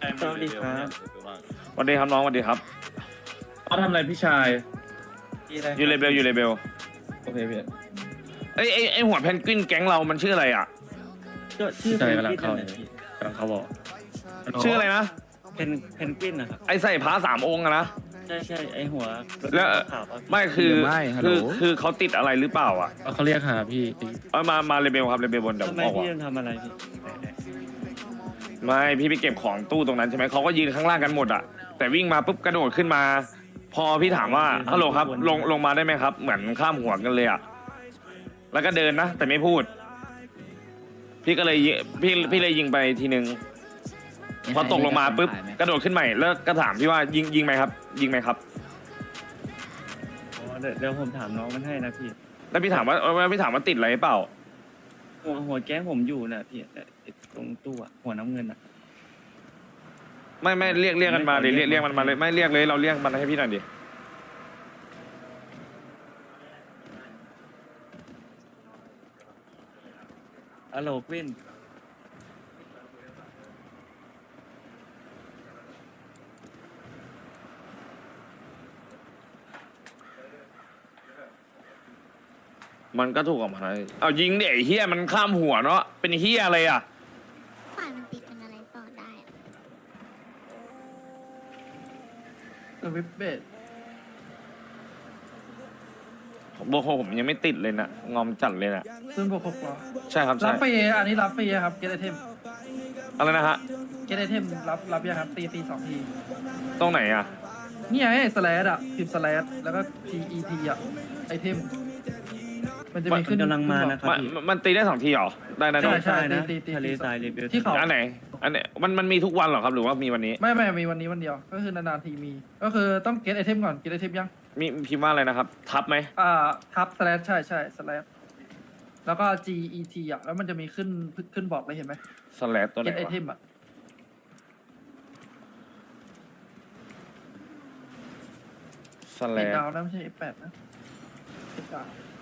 สวัสดีครับสวัสดีครับน้องสวัสดีครับเขาทำอะไรพี่ชายอยู่เลเบลอยู่เลเบลโอเคพี่ไอหัวเพนกวินแก๊งเรามันชื่ออะไรอ่ะก็ชื่อใจเพนกำลักงวินเข้านั่นแหละพี่กำลังเข้าบอกชื่ออะไรนะเพนกวินนะครับไอใส่ผ้าสามองค์อะนะใช่ใช่ไอหัวแล้วขาวอะไม่คือไม่ฮัลโหลคือเขาติดอะไรหรือเปล่าอ่ะเขาเรียกหาพี่เอามาเลเบลครับเลเบลบนเดี๋ยวผทำมไมบอกพี่ว่ายังทำอะไรพี่ไม่พี่ไปเก็บของตู้ตรงนั้นใช่ไหมเขาก็ยืนข้างล่างกันหมดอ่ะแต่วิ่งมาปุ๊บกระโดดขึ้นมา พอพี่ถามว่าฮัลโหลครับลงมาได้ไหมครับ เหมือนข้ามหัวกันเลยอ่ะแล้วก็เดินนะแต่ไม่พูด พี่ก็เลยพี่เลยยิงไปทีนึง พอตกลงมาปุ๊บกระโดดขึ้นใหม่แล้วก็ถามพี่ว่ายิงไหมครับ ยิงไหมครับอ๋อเดี๋ยวผมถามน้องมันให้นะพี่แล้วพี่ถามว่าติดอะไรเปล่าหัวแก๊งผมอยู่น่ะพี่ไอ้ตรงตู้อะหัวน้ำเงินอะไม่เรียกกันมาดิเรียกมันมาเลยไม่เรียกเลยเราเรียกมันให้พี่หน่อยดิฮัลโหลกวินมันก็ถูกกับมันเอายิงดิไอ้เฮียมันข้ามหัวเนาะเป็นเฮียอะไรอ่ะฝ่ายมันติดเป็นอะไรต่อได้อะวิบเบดบอกผมยังไม่ติดเลยนะงอมจัดเลยนะซึ่ง6 เหรอใช่ครับรัใช่บฟรีอันนี้รับฟรีครับ เกตไอเทมอะไรนะฮะเกตไอเทมรับยังครับตีฟรี2 ทีตรงไหนอ่ะนี่ไงสแลดอ่ะพิมพ์สแลดแล้วก็ TET อ่ะไอเทม มันจะมีขึ้นกำลังมานะครับมันพี่มันตีได้2 ทีเหรอได้นะใช่น้องใช่นะตีทะเลทรายรีวิวที่เขาอันไหนมันมีทุกวันเหรอครับหรือว่ามีวันนี้ไม่มีวันนี้วันเดียว ก็คือนานๆทีมี ก็คือต้องเกตไอเทมก่อน เกตไอเทมยังมีพิมพ์ว่าอะไรนะครับ ทับไหมทับสแลดใช่สแลดแล้วก็ GET อ่ะ แล้วมันจะมีขึ้นบอกเลยเห็นไหมสแลดตัวไหเกนตไอวะเทมอ่ะสแลติดดดาวนะไม่ใช่ F8 นะติดดาว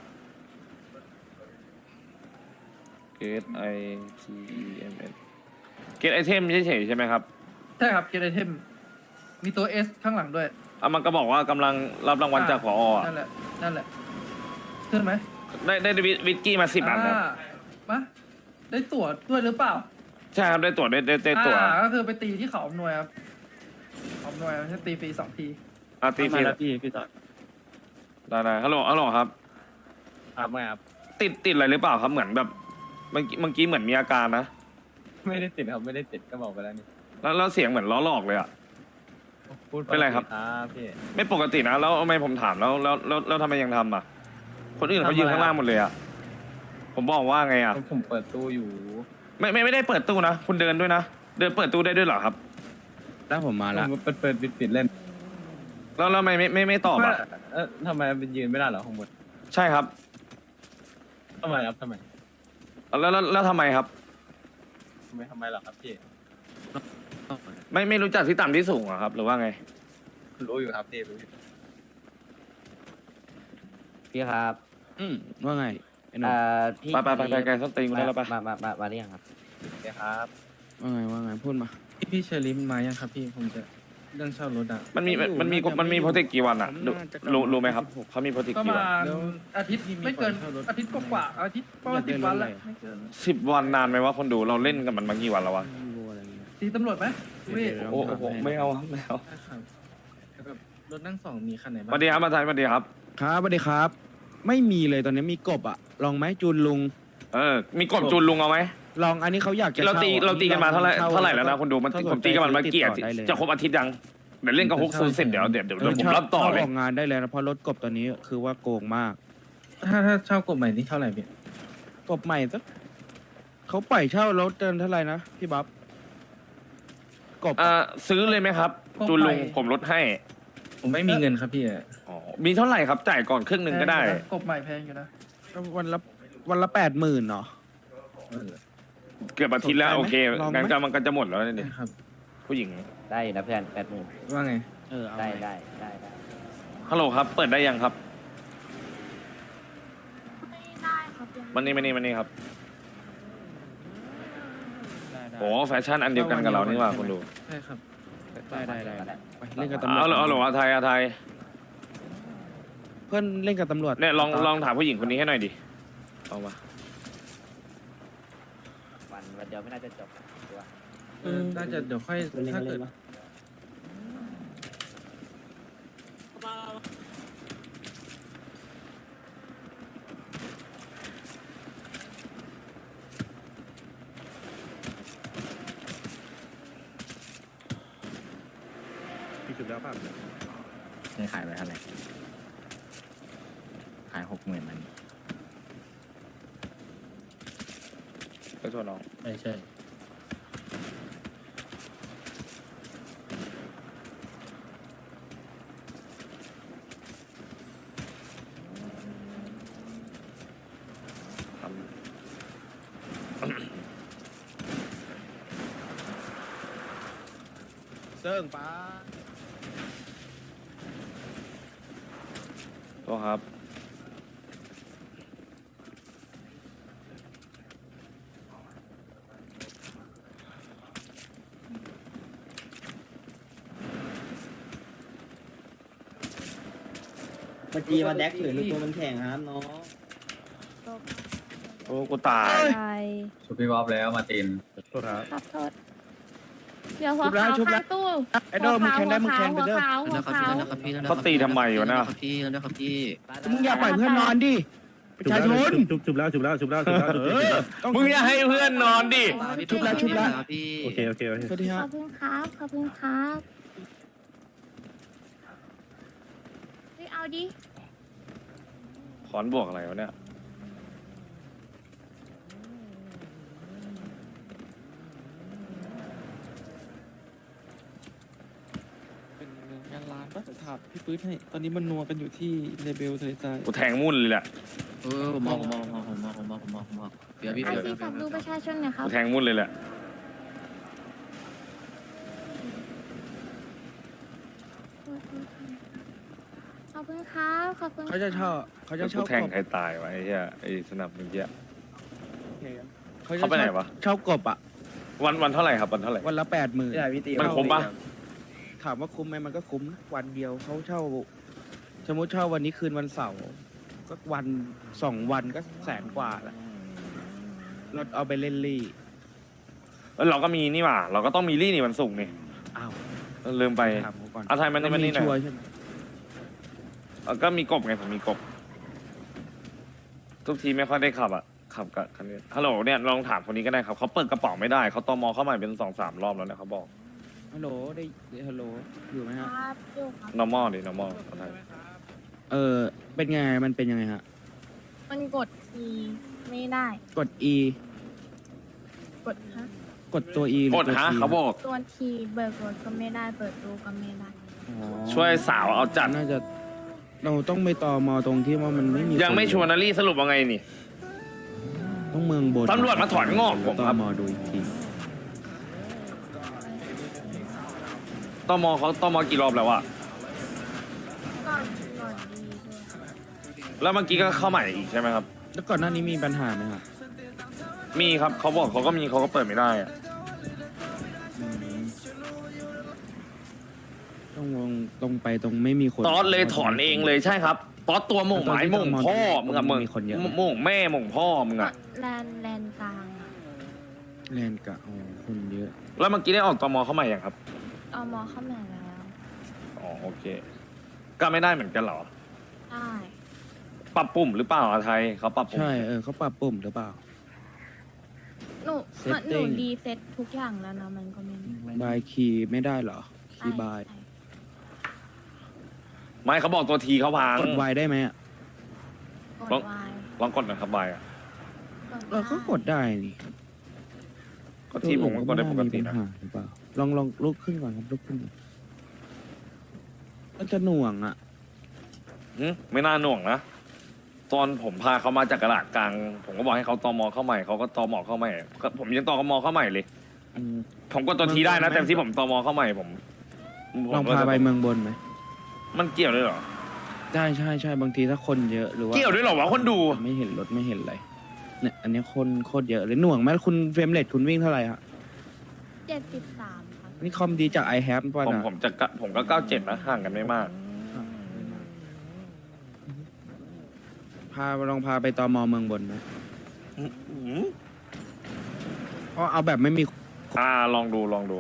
เกตไอทีเอ็มเอสเกตไอเทมเฉยๆใช่ไหมครับใช่ครับเกตไอเทม มีตัว S ข้างหลังด้วยมันก็บอกว่ากำลังรับรางวัลจากผออ่ะนั่นแหละขึ้นไหมได้วิสกี้มา10 อันครับมาได้ตั๋วด้วยหรือเปล่าใช่ครับได้ตั๋วได้ตั๋วก็คือไปตีที่เขาอำนวยครับเขาอำนวยใช้ตีฟรี2 ทีตีฟมารีแล้วพี่ต่อได้ฮัลโหลครับครับไม่ครับติดอะไรหรือเปล่าครับเหมือนแบบเมื่อกี้เหมือนมีอาการนะไม่ได้ติดครับไม่ได้ติดก็บอกไปแล้วนี่แล้วเสียงเหมือนล้อหลอกเลยอ่ะพูดเป็นไรครับครับพี่ไม่ปกตินะแล้วทำไมผมถามแล้วทำไมยังทำอ่ะ คนอื่นเขายืนข้างล่างหมดเลยอ่ะผมบอกว่าไงอ่ะผมเปิดตู้อยู่ไม่ได้เปิดตู้นะคุณเดินด้วยนะเดินเปิดตู้ได้ด้วยเหรอครับแล้วผมมาละผมเปิดปิดเล่นแล้วทำไมไม่ตอบอ่ะทำไมเป็นยืนไม่ได้เหรอข้างบนใช่ครับทำไมครับทำไมแล้วทำไมครับทำไมเหรอครับพี่ไม่รู้จักที่ต่ำที่สูงเหรอครับ หรือว่าไงรู้อยู่ครับพี่รู้อยู่พี่ครับว่าไงไอ้หนุ่มพี่ไปไกลส้นตีนกูได้แล้วปะมาหรือยังครับโอเคครับว่าไงพูดมาพี่เชอริมมายังครับพี่ผมจะเรื่องเช่ารถอ่ะมันมีโปรเทคกี่วันอ่ะรู้ไหมครับเขามีโปรเทคประกี่วันมาณอาทิตย์ไม่เกินอาทิตย์กว่าๆอาทิตย์ประมาณ10 วันแหละไม่เกิน 10 วันนานไหมวะคนดูเราเล่นกันมันมากี่วันแล้ววะอะไรเงี้ยตีตำรวจไหมเว้ยโอ้โหไม่เอาครับไม่เอาครับแล้วแบบรถนั่งสองมีคันไหนสบ้างวัสดีครับอาจารย์สวัสดีครับครับสวัสดีครับ ไม่มีเลยตอนนี้มีกบอ่ะ ลองไหมจูนลุงมีกดจูนลุงเอาไหมลองอันนี้เขาอยากจะเราตีกันมาเท่าไหร่แล้วนะคนดูผมตีกันมาเกียรจะครบอาทิตย์ยังเดี๋ยวเล่นกับฮุกซูเสร็จเดี๋ยวผมรับต่อเลยออกงานได้เลยนะเพราะรถกบตอนนี้คือว่าโกงมากถ้าเช่ากฎใหม่นี่เท่าไหร่พี่กบใหม่สักเขาปล่อยเช่ารถเดินเท่าไหร่นะพี่บ๊อบกบซื้อเลยไหมครับ จูนลุงผมลดให้ผมไม่มีเงินครับพี่มีเท่าไหร่ครับจ่ายก่อนครึ่งหนึ่งก็ได้กบใหม่แพงอยู่นะวันละ80,000เนาะเกือบอาทิตย์แล้วโอเคลองไหมงั้นก็มันก็จะหมดแล้วนี่ครับผู้หญิงได้อยู่นะเพื่อน80,000 ว่าไงเอาได้ไงได้ฮัลโหลครับ เปิดได้ยังครับไม่ได้ครับยังมันนี่ครับไโอ้แฟชั่นอันเดียวกันกับเรานี่หว่าคุณดูใช่ครับได้ไปเล่นกับตำรวจเอาหรออาไทยเพื่อนเล่นกับตำรวจเนี่ยลองถามผู้หญิงคนนี้ให้หน่อยดิเอามาวันเดียวไม่น่าจะจบตัวน่าจะเดี๋ยวค่อยถ้าเกิดพี่จุดแล้วป่ะนี่ขายไปเท่าไหร่ขาย60,000มันไปโทษน้องไม่ใช่เซิ่งป้าโทษครับเมื่อกี้มาแดกถือหรือตัวมันแข็งครับน้องโอ้กูตายชุบพี่บ๊อบแล้วมาตินโทษครับขอโทษเดี๋ยวหัวขาวชุบแล้วข้างตู้ไอ้โดมมึงแข่งได้มึงแข่งไปเด้อหัวขาวเขาตีทำไมวะน่ะมึงอย่าปล่อยเพื่อนนอนดิประชาชนจุบแล้วมึงอย่าให้เพื่อนนอนดิชุบแล้วโอเคสวัสดีขฮะอบคุณครับขอบคุณครับเฮ้ยเอาดิขอนบวกอะไรวะเนี่ยเป็นงานร้านปะถามพี่ปื๊ดให้ ตอนนี้มันนัวกันอยู่ที่เลเบลทะเลทรายกูแทงมุ่นเลยแหละผมมองเดี๋ยวพี่ไอซีฝากดูประชาชนหน่อยครักูบแทงมุ่นเลยแหละขอบคุณครับขอบคุณเขาจะเช่าเขาจะกูเช่าแทงกบใครตายวะไอ้เหี้ยไอ้สนับเมื่อกี้เขาจะเขาไปไหนวะเช่ากบอ่ะวันเท่าไหร่ครับวันเท่าไหร่วันละ80,000 มันคุ้มปะถามว่าคุ้มไหมมันก็คุ้มนะวันเดียวเขาเช่า สมมติเช่าวันนี้คืนวันเสาร์ก็วัน2 วันก็100,000 กว่าละรถเอาไปเล่นลี่เราก็มีนี่หว่าเราก็ต้องมีรี่นี่วันศุกร์นี่อ้าวลืมไปถามเขาก่อนอาไทยมันนี่มันนี่หน่ชัวอร์ยใช่ไหมก็มีกบไงผมมีกบ ทุกทีไม่ค่อยได้ขับอ่ะขับกับคันนี้ฮัลโหลเนี่ยลองถามคนนี้ก็ได้ครับเขาเปิดกระเป๋าไม่ได้เขาตมเข้ามาเป็น2-3 รอบแล้วเนี่ยเขาบอกฮัลโหลได้ฮัลโหลอยู่ไหมฮะครับอยู่ครับ normal ดิ normal อาไทยเป็นไงมันเป็นยังไงฮะมันกดทีไม่ได้กด E กดฮะกดตัว E หรืกอดตัวฮะ T เขาบอกตัวทีเบิกรถก็ไม่ได้เปิดดูก็ไม่ได้อ๋อช่วยสาวเอาจัดน่าจะเราต้องไปต่อมอตรงที่ว่ามันไม่มียังไม่ชวนนารี่สรุปว่าไงนี่ต้องเมืองบนตำรวจมาถอนงอกผมต่ครัอบ มอดูอีกทีตมเขาตมกี่รอบแล้วอะก่อนดีด้วยแล้วเมื่อกี้ก็เข้าใหม่อีกใช่ไหมครับแล้วก่อนหน้านี้มีปัญหาไหมครับมีครับเขาบอกเขาก็มีเขาก็เปิดไม่ได้อะอืมต้องลงตรงไปตรงไม่มีคนตอสเลยถอนเองเลยใช่ครับตอสตัวหม่งหมายหม่งพ่อมึงอะมึงมีคนเยอะไหมหม่งแม่หม่งพ่อมึงอะแลนกลางอะแลนกะโอ้คนเยอะแล้วเมื่อกี้ได้ออกตมเข้าใหม่ยังครับเอามอเข้ามาแล้วอ๋อโอเค ก็ไม่ได้เหมือนกันเหรอได้ปรับปุ่มหรือเปล่าอาไทยเขาปรับปุ่มใช่เขาปรับปุ่มหรือเปล่าหนู Setting รีเซ็ตทุกอย่างแล้วนะมันก็ไม่บายคีย์ไม่ได้เหรอ คีย์บายใช่ไม่เขาบอกตัวทีเขาพังกดไวได้ไหมอ่ะกดวายลองกดหนะครับบายอะก็กดได้นี่ก็ทีผมก็กดได้ปกติปันะญหาหรือเปล่าลองลุกขึ้นก่อนครับลุกขึ้นก่อนมันจะหน่วงอ่ะไม่น่าหน่วงนะ ตอนผมพาเขามาจากกระดาษกลาง ผมก็บอกให้เขาตมเข้าใหม่เขาก็ตมเข้าใหม่ก็ผมยังตมเข้าใหม่เลยอืมผมก็ตัวทีได้นะไม่แต่ที่ผมตมเข้าใหม่ผมลองพาไปเมืองบนไหมมันเกี่ยวด้วยเหรอใช่บางทีถ้าคนเยอะหรือว่าเกี่ยวด้วยเหรอวะคนดูไม่เห็นรถไม่เห็นอะไรเนี่ยอันนี้คนโคตรเยอะเลยหน่วงไหมคุณเฟรมเรทคุณวิ่งเท่าไหร่ฮะ 73ครับนี่คอมดีจาก i h a v e ป่ะผมนะผมก็97นะห่างกันไม่มากลองพาไปตมเมืองบนนะเพราะเอาแบบไม่มีลองดู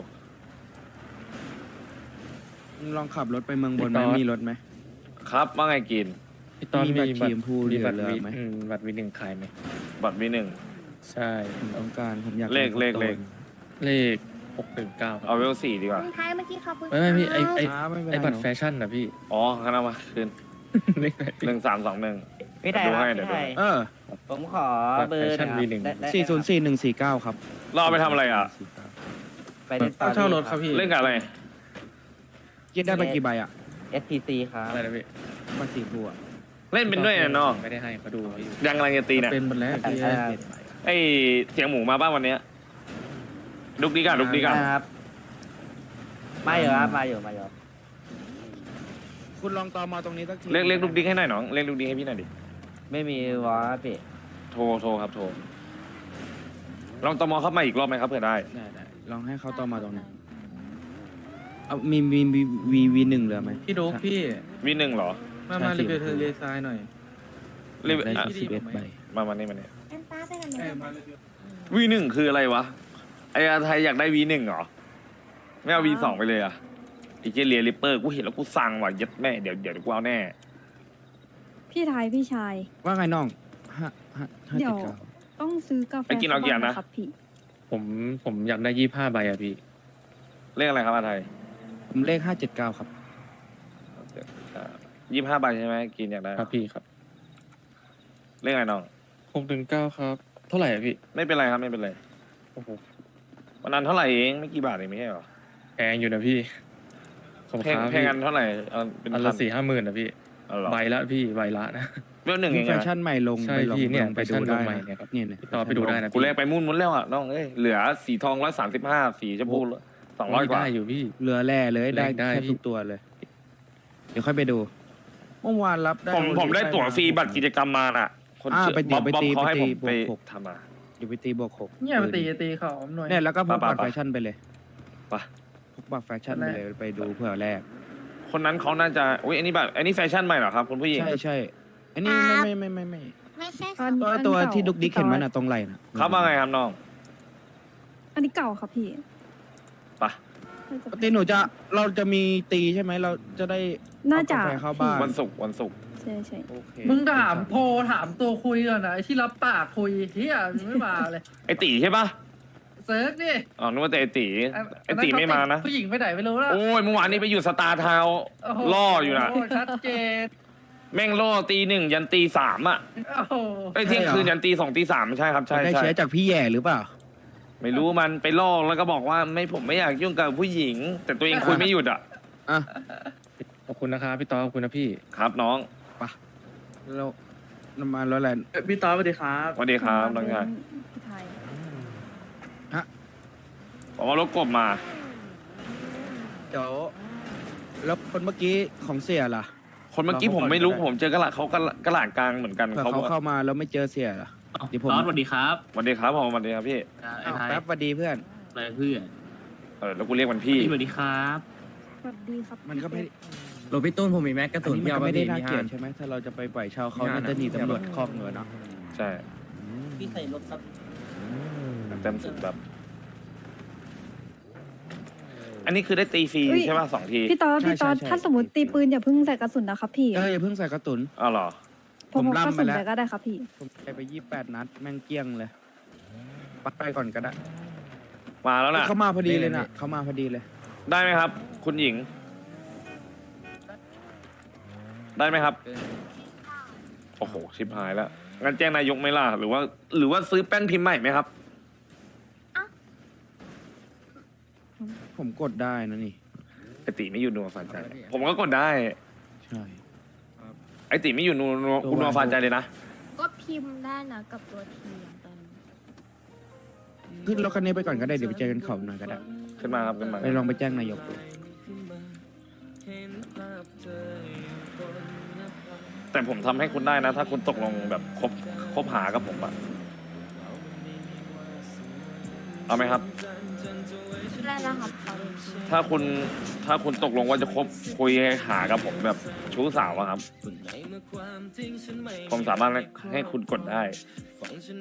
ลองขับรถไปเมืองบนไหมมีรถไหมครับว่าไงกินพี่ตอนมีบัตรสีชมพูเหลือบัตรไหมบัตรวีหนึ่งขายไหมบัตรวีหนึ่งใช่ผมต้องการผมอยากเลขป็นคนโตเลข619ครับเอาเวล4ดีกว่าคุณท้ายเมื่อกี้ขอบคุณไม่พี่ไอไม่เป็นไรไอบัตรเนอะแฟชั่นนะพี่อ๋องั้นเอามาคืนเลขไหนพี่ 1321 พี่ไทยดูคให้รับเดี๋ยวพี่ไทยเออผมขอบัตรเบอร์แฟชั่นหอย V1 404149 ครับเราเอาไปทำอะไรอ่ะไปเล่นตอเช่ารถครับพี่เล่นกับอะไรเย็นได้ไปกี่ใบอ่ะ STC ครับอะไรนะพี่บัตรสีบัวเล่นเป็นด้วยนะน้องไม่ได้ให้เขาดูพี่ยังกำลังจะตีเนี่ยเป็นหมดแล้วพี่ไอเสียงหมูมาบ้างวันเนี้ยดุกดิกอะดุกดิกอะครับมาอยู่ครับมาอยู่คุณลองตมตรงนี้สักทีเรียกดุกดิกให้หน่อยน้องเรียกดุกดิกให้พี่หน่อยดิไม่มีวอลพี่โทรครับโทรลองตมเข้ามาอีกรอบไหมครับเผื่อได้ได้ลองให้เขาตมตรงนี้เอามีV1 เหลือไหมพี่ดุ๊กพี่วีหนึ่งเหรอมาใช่รีวิวสิเทเลซายหน่อยรีบได้อ่ะ 11ใบมานี่แอนต้าไปกันไหมวีหนึ่งคืออะไรวะไอ้อาไทยอยากได้วีหนึ่งเหรอไม่เอาวีสองไปเลยอะไอ้เจเลียริปเปอร์กูเห็นแล้วกูสั่งว่ะยัดแม่เดี๋ยวกูเอาแน่พี่ไทยพี่ชายว่าไงน้อง5 เดี๋ยว 5.9 ต้องซื้อกาแฟไปกินเอากี่อันนะครับพี่ผมอยากได้25ใบอะพี่เลขอะไรครับอาไทยผมเลข579ครับ 25ใบใช่ไหมกินอยากได้ครับพี่ครับเลขอะไรน้อง 619ครับ เท่าไหร่อะพี่ไม่เป็นไรครับไม่เป็นไรโอ้โหวันนั้นเท่าไหร่เองไม่กี่บาทเองไม่ใช่เหรอแพงอยู่นะพี่ขอบเพคุณลงครับเพลงพี่กันเท่าไหร่เอาเป็นอันพัละน 4-5หมื่นนะพี่เอาเหรอใบละพี่ใบละนะเวลหนึ่งเองแฟอะชั่นใหม่ลงใช่ไปลองพี่เนี่ยลองไปแฟชั่ดูนได้ลงใหม่นะเนี่ยครับเนี่ยพี่ต่อไปดูได้นะกูแลกไปมุ่นแล้วอ่ะน้องเอ้ยเหลือสีทอง135สีชมพู200กว่าได้อยู่พี่เหลือแร่เลยได้ได้แค่พี่ทุกตัวเลย เดี๋ยวค่อยไปดูเมื่อวานรับได้ผมได้ตั๋วฟรีบัตรกิจกรรมมาน่ะ คนชื่อไปตีบ๊อบไปบ๊อบตีเขาให้ผมไปไปตีบวกทำมาเดี๋ยวไปตีบวก6 เนี่ยมาตีเขาหน่อยเนี่ยแล้วก็พกบัตรไปแฟชั่นไปเลยไปพกบัตรแฟชั่นไปเลยไปดูเผื่อแรกคนนั้นเขาน่าจะอุ้ยอันนี้บัตรอันนี้แฟชั่นใหม่เหรอครับคุณผู้หญิงใช่อันนี้ไม่ไม่ใช่ตัวที่ดุกดิกเห็นมันอะตรงไหล่นะครับว่าไงครับน้องอันนี้เก่าครับพี่ไปปกติเราจะมีตีใช่ไหมเราจะได้น่าจะเอกาแฟเข้าบ้านวันศุกร์ใช่ใช่โอเคมึงถามโทรถามตัวคุยก่อนนะไอ้ที่รับปากคุยเฮียมึงไม่มาเลยไอตีใช่ปะเซิร์ฟดิอ๋อนึกว่าแต่ไอตีอันไอตีไม่มานะผู้หญิงไปไหนไม่รู้แล้วโอ้ยเมื่อวานนี้ไปอยู่สตาร์ทาวน์โโหล่ออยู่นะชัดเจนแม่งล่อตี 1ยันตี 3อ่ะโอ้โหไอยเที่ยงคืนยันตี 2ตี 3ใช่ครับใช่ได้ใช่เชื้อจากพี่แย่หรือเปล่าไม่รู้มันไปล่อแล้วก็บอกว่าผมไม่อยากยุ่งกับผู้หญิง แต่ตัวเองคุยไม่หยุดอ่ะอ่ะขอบคุณนะครับพี่ต่อขอบคุณนะพี่ครับน้องเราน้ำมันแล้วแหละพี่ต้อสวัสดีครับสวัสดีครับน้องชายพี่ไทยบอกว่ารถกบมาเดี๋ยวแล้วคนเมื่อกี้ของเสียล่ะคนเมื่อกี้ผมไม่รู้ผมเจอกระหลาเขากระหลาดกลางเหมือนกันเผื่อเขาเข้ามาแล้วไม่เจอเสียล่ะเดี๋ยวผมตอนสวัสดีครับสวัสดีครับผมสวัสดีครับพี่ไอ้ไทยแป๊บสวัสดีเพื่อนอะไรเพื่อนแล้วกูเรียกมันพี่สวัสดีครับสวัสดีครับมันก็ไม่โรพี่ต้นผมมีแม็กกระอันสุนนี้มันยาวก็มาไม่ได้พี่น่ามีเกลียห้าดใช่ไหมถ้าเราจะไปปล่อยเช่าเขามีห้าน่าจะหนีนะตำรวจคอกเงินเนาะใช่พี่ใส่รถครับเต็มสุดแบบ อันนี้คือได้ตีฟรีใช่ป่ะ2 ทีพี่ตอนถ้าสมมติตีปืนอย่าเพิ่งใส่กระสุนนะครับพี่อย่าเพิ่งใส่กระตุนอ้าวเหรอพอผมพกกระล่ำไปสุนแล้วไปก็ได้ครับพี่ผมไป28 นัดแม่งเกลี้ยงเลยปัดไปก่อนก็ได้มาแล้วนะเขามาพอดีเลยนะเขามาพอดีเลยได้ไหมครับ คุณหญิง ได้ไหมครับ โอ้โหชิบหายแล้วงั้นแจ้งนายกไหมล่ะหรือว่าซื้อแป้นพิมพ์ใหม่ไหมครับผมกดได้นะนี่ไอติไม่อยู่นัวฟานใจ ผมก็กดได้ใช่ไอติไม่อยู่นัวฟานใจเลยนะก็พิมพ์ได้นะกับตัวทีตอนขึ้นรถคันนี้ไปก่อนก็ได้เดี๋ยวไปเจอกันเขาหน่อยก็ได้ขึ้นมาครับขึ้นมาไปลองไปแจ้งนายกดูแต่ผมทำให้คุณได้นะ ถ้าคุณตกลงแบบคบหากับผมอะเอาไหมครับได้นะครับขอดูถ้าคุณตกลงว่าจะคบคุยหากับผมแบบชู้สาวอะครับ ผมสามารถให้คุณกดได้